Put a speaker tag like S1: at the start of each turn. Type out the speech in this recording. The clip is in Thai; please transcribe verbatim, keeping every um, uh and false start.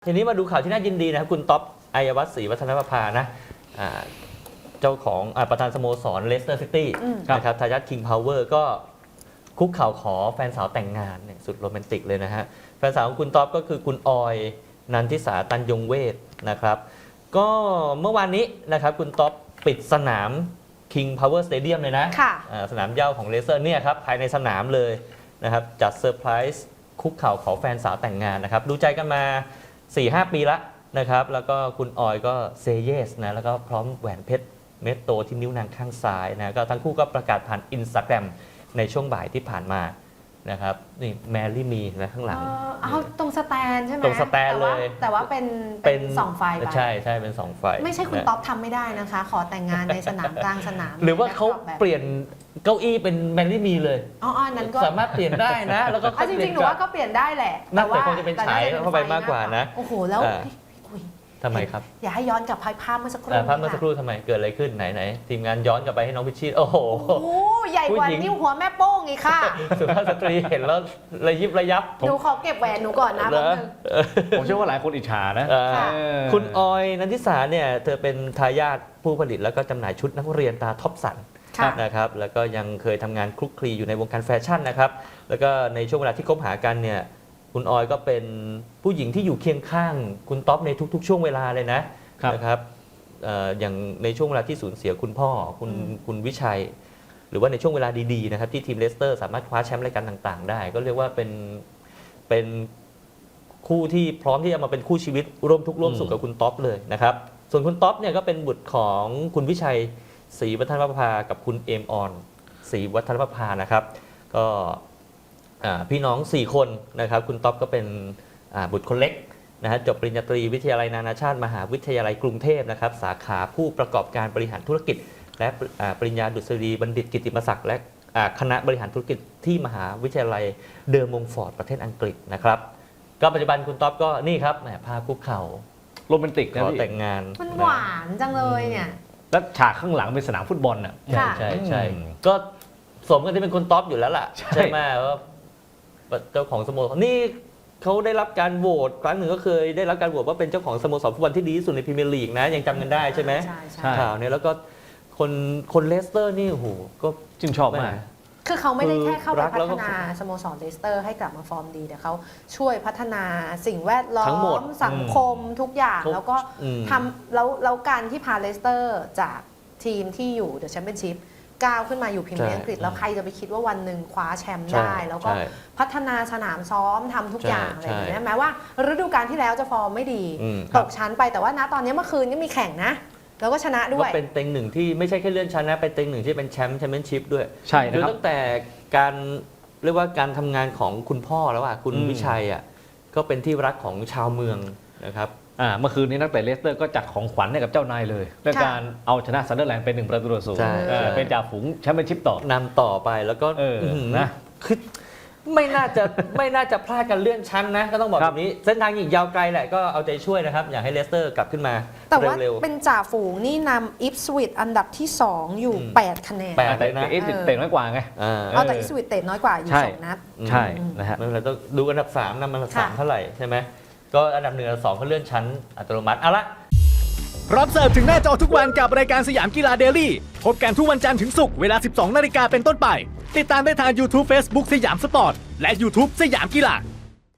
S1: ทีนี้มาดูข่าวที่น่ายินดีนะครับคุณต๊อบอัยวัฒน์ศรีวัฒนประภานะเจ้าของประธานสโมสรเลสเตอร์ซิตี้นะครับทายาทคิงพาวเวอร์ก็คุกเข่าขอแฟนสาวแต่งงานเนี่ยสุดโรแมนติกเลยนะฮะแฟนสาวของคุณต๊อบก็คือคุณออยนันทิสาตันยงเวทนะครับก็เมื่อวานนี้นะครับคุณต๊อบปิดสนาม King Power Stadium เลยนะสนามเหย้าของเลสเตอร์เนี่ยครับภายในสนามเลยนะครับจัดเซอร์ไพรส์คุกเข่าขอแฟนสาวแต่งงานนะครับดูใจกันมา สี่ห้า ปีละนะครับแล้วก็คุณออยก็เซเยสนะแล้วก็พร้อมแหวนเพชรเม็ดโตที่นิ้วนางข้างซ้ายนะก็ทั้งคู่ก็ประกาศผ่านอินสตาแกรมในช่วงบ่ายที่ผ่านมานะครับนี่แมรี่มีนะข้างหลัง
S2: เอาตรงสแตนใช่ไหม
S1: ตรงสแตนเลย
S2: แต่ว่าเป็นเป็นสองไฟ
S1: ใช่ใช่เป็นสองไฟ
S2: ไม่ใช่คุณต๊อบทำไม่ได้นะคะขอแต่งงานในสนามกลางสนาม
S1: หรือว่าเขาเปลี่ยนเก้าอี้เป็นแมรี่มีเลย
S2: อ๋อนั้นก็
S1: สามารถเปลี่ยนได้นะแล้วก็
S2: จริงๆหนูว่าก็เปลี่ยนได้แหละ
S1: แต่ว่าคงจะเป็นฉายเข้าไปมากกว่านะ
S2: โอ้โหแล้ว
S1: ทำไมครับ
S2: อย่าให้ย้อนกลับภาพเมื่อสักครู่
S1: ภาพเมื่อสักครู่ทำไมเกิดอะไรขึ้นไหนไหนทีมงานย้อนกลับไปให้น้องพิชชีโอ้โห
S2: ใหญ่กว่านิ้วหัวแม่โป้งอีกค่ะ
S1: สุภาพสตรีเห็นแล้วระยิบระยับ
S2: หนูขอเก็บแหวนหนูก่อนนะ
S3: ผมเชื่อว่าหลายคนอิจฉานะ
S1: คุณออยนันทิสาเนี่ยเธอเป็นทายาทผู้ผลิตแล้วก็จำหน่ายชุดนักเรียนตาท็อปสันนะครับแล้วก็ยังเคยทำงานคลุกคลีอยู่ในวงการแฟชั่นนะครับแล้วก็ในช่วงเวลาที่คบหากันเนี่ยคุณออยก็เป็นผู้หญิงที่อยู่เคียงข้างคุณต๊อบในทุกๆช่วงเวลาเลยนะนะครับอย่างในช่วงเวลาที่สูญเสียคุณพ่อคุณคุณวิชัยหรือว่าในช่วงเวลาดีๆนะครับที่ทีมเลสเตอร์สามารถคว้าแชมป์รายการต่างๆได้ก็เรียกว่าเป็นเป็นคู่ที่พร้อมที่จะมาเป็นคู่ชีวิตร่วมทุกข์ร่วมสุขกับคุณต๊อบเลยนะครับส่วนคุณต๊อบเนี่ยก็เป็นบุตรของคุณวิชัยศรีวัฒนประภากับคุณเอมออนศรีวัฒนประภานะครับก็พี่น้องสี่คนนะครับคุณต๊อบก็เป็นบุตรคนเล็กนะฮะจบปริญญาตรีวิทยาลัยนานาชาติมหาวิทยาลัยกรุงเทพนะครับสาขาผู้ประกอบการบริหารธุรกิจและปริญญาดุษฎีบัณฑิตกิตติมศักดิ์และคณะบริหารธุรกิจที่มหาวิทยาลัยเดอร์มงฟอร์ดประเทศอังกฤษนะครับก็ปัจจุบันคุณต๊อบก็นี่ครับแหมพาคุกเข่า
S3: โรแมนติกนะ
S1: ขอแต่งงาน
S2: มันหวานจังเลยเนี่ย
S3: แล้วฉากข้างหลังเป็นสนามฟุตบอลน่ะ
S1: ใช่ใช่ใช่ก็สมกันที่เป็นคุณต๊อบอยู่แล้วล่ะใช่ไหมว่าเจ้าของสโมสรนี่เขาได้รับการโหวตครั้งหนึ่งก็เคยได้รับการโหวตว่าเป็นเจ้าของสโมสรฟุตบอลที่ดีที่สุดในพรีเมียร์ลีกนะยังจำกันได้ใช่ไหม
S2: ใช่ใช่
S1: ข่าวนี้แล้วก็คนคนเลสเตอร์นี่โอ้โหก็
S3: ชื่นชอบมาก
S2: คือเขาไม่ได้แค่เข้าไปพัฒนาสโมสรเลสเตอร์ให้กลับมาฟอร์มดีแต่เขาช่วยพัฒนาสิ่งแวดล้อมสังคมทุกอย่างแล้วก็ทำแล้วแล้วการที่พาเลสเตอร์จากทีมที่อยู่เดอะแชมเปี้ยนชิพก้าวขึ้นมาอยู่พรีเมียร์อังกฤษแล้วใครจะไปคิดว่าวันหนึ่งคว้าแชมป์ได้แล้วก็พัฒนาสนามซ้อมทำทุกอย่างอะไรอย่างเงี้ยแม้ว่าฤดูกาลที่แล้วจะฟอร์มไม่ดีตกชั้นไปแต่ว่าณตอนนี้เมื่อคืนก็มีแข่งนะแล้วก็ชนะด้วย
S1: ก็เป็นเต็งหนึ่งที่ไม่ใช่แค่เลื่อนชั้นนะเป็นเต็งหนึ่งที่เป็นแชมป์แชมเปี้ยนชิพด้วย
S3: ใช่นะครับ
S1: ตั้งแต่การเรียกว่าการทำงานของคุณพ่อแล้วอ่ะคุณวิชัยอ่ะก็เป็นที่รักของชาวเมืองนะครับ
S3: เมื่อคืนนี้นักเตะเลสเตอร์ก็จัดของขวัญให้กับเจ้านายเลยด้วยการเอาชนะซันเดอร์แลนด์เป็นหนึ่งประตูต่อศูนย์เป็นจ่าฝูงแชมเปี้ยนชิพต่อน
S1: ำต่อไปแล้วก็นะคือไม่น่าจะไม่น่าจะพลาดกันเลื่อนชั้นนะก็ต้องบอกแบบนี้เส้นทางอีกยาวไกลแหละก็เอาใจช่วยนะครับอยากให้เลสเตอร์กลับขึ้นมา
S2: แต่ว่าเป็นจ่าฝูงนี่นำอิฟสวิตอันดับที่สองอยู่แปดคะแนน
S3: แต่อิฟสวิตเตะน้อยกว่าไง
S2: เอาแต่อิฟสวิตเตะน้อยกว่าอยู่สองนัด
S3: ใช่นะฮะ
S1: ไม่เป็นไรต้องดูอันดับสามนำอันดับสามเท่าไหร่ใช่ไหมก็อันดับหนึ่งอันดับสองเขาเลื่อนชั้นอัตโนมัติเอาละ
S4: รับเสิร์ฟถึงหน้าจอทุกวันกับรายการสยามกีฬาเดลี่พบกันทุกวันจันทร์ถึงศุกร์เวลา สิบสองนาฬิกาเป็นต้นไปติดตามได้ทาง YouTube Facebook สยามสปอร์ตและ YouTube สยามกีฬา